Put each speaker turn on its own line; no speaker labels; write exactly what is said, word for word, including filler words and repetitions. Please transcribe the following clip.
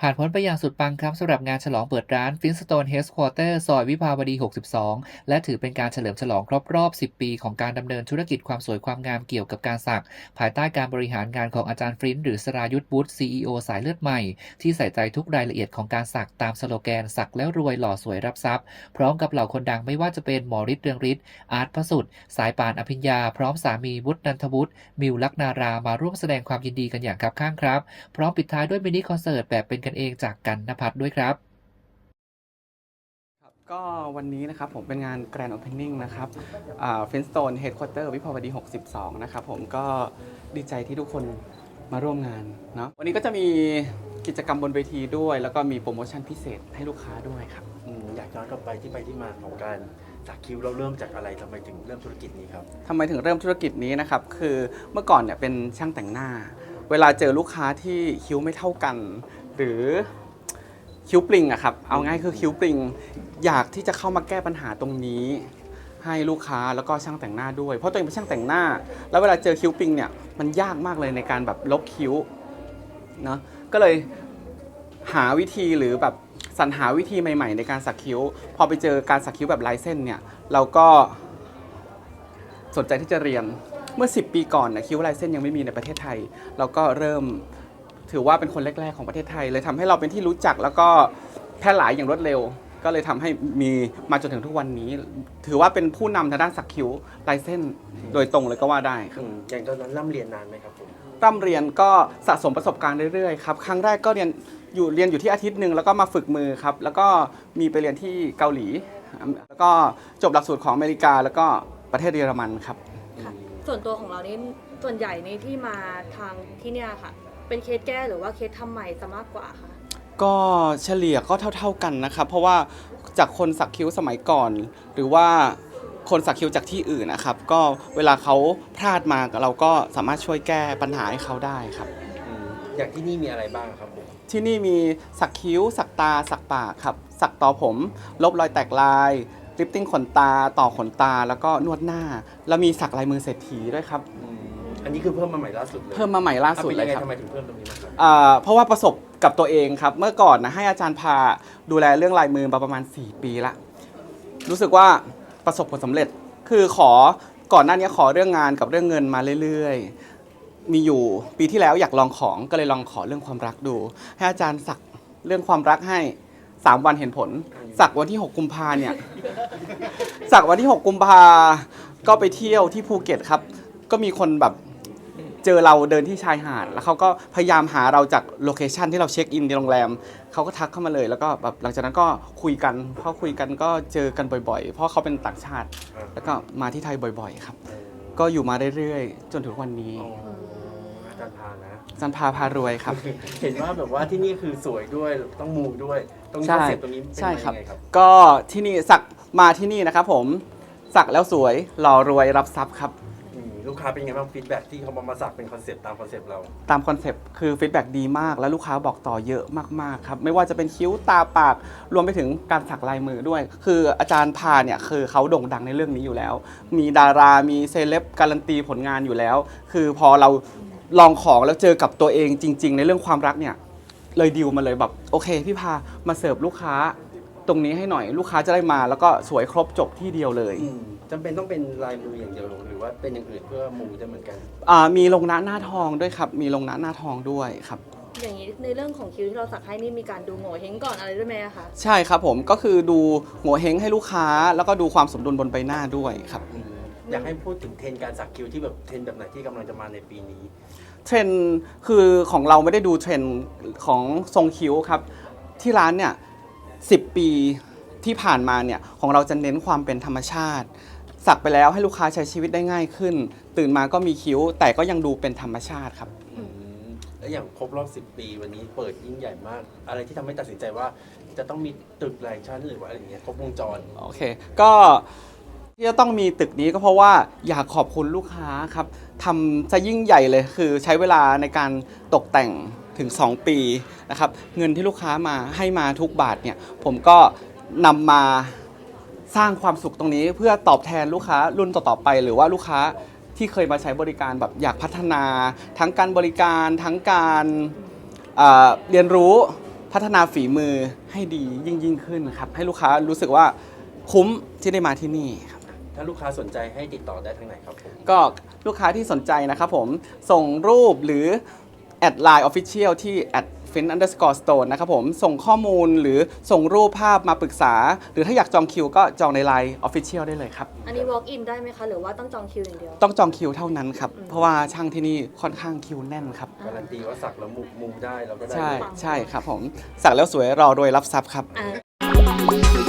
ผ่านพ้นไปอย่างสุดปังครับสำหรับงานฉลองเปิดร้าน Flintstone Headquarter ซอยวิภาวดี หกสิบสอง และถือเป็นการเฉลิมฉลองครบรอบ สิบ ปีของการดำเนินธุรกิจความสวยความงามเกี่ยวกับการสัก ภายใต้การบริหารงานของอาจารย์ฟรินซ์หรือสรายุทธวุฒิ ซี อี โอ สายเลือดใหม่ ที่ใส่ใจทุกรายละเอียดของการสักตามสโลแกนสักแล้วรวยหล่อสวยรับทรัพย์พร้อมกับเหล่าคนดังไม่ว่าจะเป็นหมอฤทธิ์เรืองฤทธิ์อาร์ตพระสุดสายป่านอภิญญาพร้อมสามีวุฒินันทวุฒิมิวลักนารามาร่วมแสดงความยินดีกันอย่างคับข้างครับพร้อมปิดท้ายด้วยมินิคอนเสิร์ตแบบเป็นกันเองจากกันณภัทรด้วยครับ
ก็วันนี้นะครับผมเป็นงาน Grand Opening นะครับฟินสโตนเฮดค q u เตอร์วิภาวดี หกสิบสอง นะครับผมก็ดีใจที่ทุกคนมาร่วมงานเนาะวันนี้ก็จะมีกิจกรรมบนเวทีด้วย แล้วก็มีโปรโมชั่นพิเศษให้ลูกค้าด้วยครับ
อืมอยากย้อนกลับไปที่ไปที่มาของการสักคิ้วเราเริ่มจากอะไรทำไมถึงเริ่มธุรกิจนี้ครับ
ทำไมถึงเริ่มธุรกิจนี้นะครับคือเมื่อก่อนเนี่ยเป็นช่างแต่งหน้า เวลาเจอลูกค้าที่คิ้วไม่เท่ากัน หรือคิ้วปริงอะครับเอาง่ายคือคิ้วปริงอยากที่จะเข้ามาแก้ปัญหาตรงนี้ให้ลูกค้าแล้วก็ช่างแต่งหน้าด้วยเพราะตัวเองเป็นช่างแต่งหน้าแล้วเวลาเจอคิ้วปริงเนี่ยมันยากมากเลยในการแบบลบคิ้วเนาะก็เลยหาวิธีหรือแบบสรรหาวิธีใหม่ๆในการสักคิ้วพอไปเจอการสักคิ้วแบบลายเส้นเนี่ยเราก็สนใจที่จะเรียนเมื่อสิบปีก่อนนะคิ้วลายเส้นยังไม่มีในประเทศไทยเราก็เริ่มถือว่าเป็นคนแรกๆของประเทศไทยเลยทำให้เราเป็นที่รู้จักแล้วก็แพร่หลายอย่างรวดเร็วก็เลยทำให้มีมาจนถึงทุกวันนี้ถือว่าเป็นผู้นำทางด้านสักคิ้วลายเส้นโดยตรงเลยก็ว่าได้ครับ
อย่างตอนนั้นร่ำเรียนนานไหมครับผม
ร่ำเรียนก็สะสมประสบการณ์เรื่อยๆครับครั้งแรกก็เรียนอยู่เรียนอยู่ที่อาทิตย์หนึ่งแล้วก็มาฝึกมือครับแล้วก็มีไปเรียนที่เกาหลีแล้วก็จบหลักสูตรของอเมริกาแล้วก็ประเทศเยอรมันครับ
ส่วนตัวของเรานี่ส่วนใหญ่นี่ที่มาทางที่เนี่ยค่ะเป็นเคสแก้หรือว่าเคสทำใหม่ซะมากกว่าค่ะ
ก็เฉลี่ยก็เท่าๆกันนะครับเพราะว่าจากคนสักคิ้วสมัยก่อนหรือว่าคนสักคิ้วจากที่อื่นนะครับก็เวลาเขาพลาดมาเราก็สามารถช่วยแก้ปัญหาให้เขาได้ครับ
อย่างที่นี่มีอะไรบ้างครับผม
ที่นี่มีสักคิ้วสักตาสักปากครับสักต่อผมลบรอยแตกลายลิฟติ้งขนตาต่อขนตาแล้วก็นวดหน้าแล้วมีสักลายมือเศรษฐีด้วยครับ
อันนี้คือเพิ่มมาใหม่ล่าสุดเลย
เพิ่มมาใหม่ล่าสุดเลยครับ
ทำไมถึงเพิ่มตรงนี้มาครับ
เพราะว่าประสบกับตัวเองครับเมื่อก่อนนะให้อาจารย์พาดูแลเรื่องลายมือมาประมาณสี่ปีละรู้สึกว่าประสบผลสำเร็จคือขอก่อนหน้านี้ขอเรื่องงานกับเรื่องเงินมาเรื่อยๆมีอยู่ปีที่แล้วอยากลองของก็เลยลองขอเรื่องความรักดูให้อาจารย์สักเรื่องความรักให้สามวันเห็นผลสักวันที่หกกุมภาเนี่ยสักวันที่หกกุมภาก็ไปเที่ยวที่ภูเก็ตครับก็มีคนแบบเจอเราเดินที่ชายหาดแล้วเขาก็พยายามหาเราจากโลเคชันที่เราเช็คอินในโรงแรมเขาก็ทักเข้ามาเลยแล้วก็แบบหลังจากนั้นก็คุยกันพอคุยกันก็เจอกันบ่อยๆเพราะเขาเป็นต่างชาติแล้วก็มาที่ไทยบ่อยๆครับก็อยู่มาเรื่อยๆจนถึงวันนี้
อาจารย์พานะ
อาจารย์พาพารวยครับ
เห็นว่าแบบว่าที่นี่คือสวยด้วยต้องมูด้วยตรงนี้คอนเซ็ปต์ตรงนี้เป็นยังไงครับ
ก็ที่นี่สักมาที่นี่นะครับผมสักแล้วสวยหล่อรวยรับทรัพย์ครับ
ลูกค้าเป็นไงบ้างฟีดแบ็ที่เขามามาสักเป็นคอนเซปต์ตามคอนเซปต์เรา
ตามคอนเซปต์คือฟีดแบ็ดีมากแล้วลูกค้าบอกต่อเยอะมากๆครับไม่ว่าจะเป็นคิ้วตาปากรวมไปถึงการสักลายมือด้วยคืออาจารย์พาเนี่ยคือเขาโด่งดังในเรื่องนี้อยู่แล้วมีดารามีเซเลบการันตีผลงานอยู่แล้วคือพอเราลองของแล้วเจอกับตัวเองจริงๆในเรื่องความรักเนี่ยเลยดิวมาเลยแบบโอเคพี่พามาเสิร์ฟลูกค้าตรงนี้ให้หน่อยลูกค้าจะได้มาแล้วก็สวยครบจบที่เดียวเลย
จำเป็นต้องเป็นลายมืออย่างเดียวหรือว่าเป็นอย่างอื่นเพื่อมูได้เหมือนกัน
มีลงหน้าหน้าทองด้วยครับมีลงหน้าหน้าทองด้วยครับ
อย่างนี้ในเรื่องของคิวที่เราสักให้นี่มีการดูโง่เฮงก่อนอะไรด้วยไหมคะ
ใช่ครับผมก็คือดูโง่เฮงให้ลูกค้าแล้วก็ดูความสมดุลบนใบหน้าด้วยครับ
อยากให้พูดถึงเทรนการสักคิ้วที่แบบเทรนแบบไหนที่กำลังจะมาในปีนี้
เทรนคือของเราไม่ได้ดูเทรนของทรงคิ้วครับที่ร้านเนี่ยสิบปีที่ผ่านมาเนี่ยของเราจะเน้นความเป็นธรรมชาติสักไปแล้วให้ลูกค้าใช้ชีวิตได้ง่ายขึ้นตื่นมาก็มีคิ้วแต่ก็ยังดูเป็นธรรมชาติครับ
แล้วอย่างครบรอบสิบปีวันนี้เปิดยิ่งใหญ่มากอะไรที่ทำให้ตัดสินใจว่าจะต้องมีตึกหลายชั้นหรือว่าอะไรอย่างเงี้ยครบวงจร
โอเคก็ที่จะต้องมีตึกนี้ก็เพราะว่าอยากขอบคุณลูกค้าครับทำจะยิ่งใหญ่เลยคือใช้เวลาในการตกแต่งถึงสองปีนะครับเงินที่ลูกค้ามาให้มาทุกบาทเนี่ยผมก็นำมาสร้างความสุขตรงนี้เพื่อตอบแทนลูกค้ารุ่นต่อๆไปหรือว่าลูกค้าที่เคยมาใช้บริการแบบอยากพัฒนาทั้งการบริการทั้งการเรียนรู้พัฒนาฝีมือให้ดียิ่งยิ่งขึ้นครับให้ลูกค้ารู้สึกว่าคุ้มที่ได้มาที่นี่ครับ
ถ้าลูกค้าสนใจให้ติดต่อได้ทางไหนครับผม
ก็ลูกค้าที่สนใจนะครับผมส่งรูปหรือแอดไลน์ Official ที่ at fin underscore stone นะครับผมส่งข้อมูลหรือส่งรูปภาพมาปรึกษา หรือถ้าอยากจองคิวก็จองในไลน์ Official ได้เลยครับ
อันนี้ walk in ได้ไหมคะ หรือว่าต้องจองคิวอย่างเดียว
ต้องจองคิวเท่านั้นครับ เพราะว่าช่างที่นี่ค่อนข้างคิวแน่นครับ
การันตีว่าสักแล้วมุมมุมได้เราก็ได้
ใช่
ด้วย
ใช่ครับผมสักแล้วสวยรอรวยรับทรัพย์ครับ
อ่า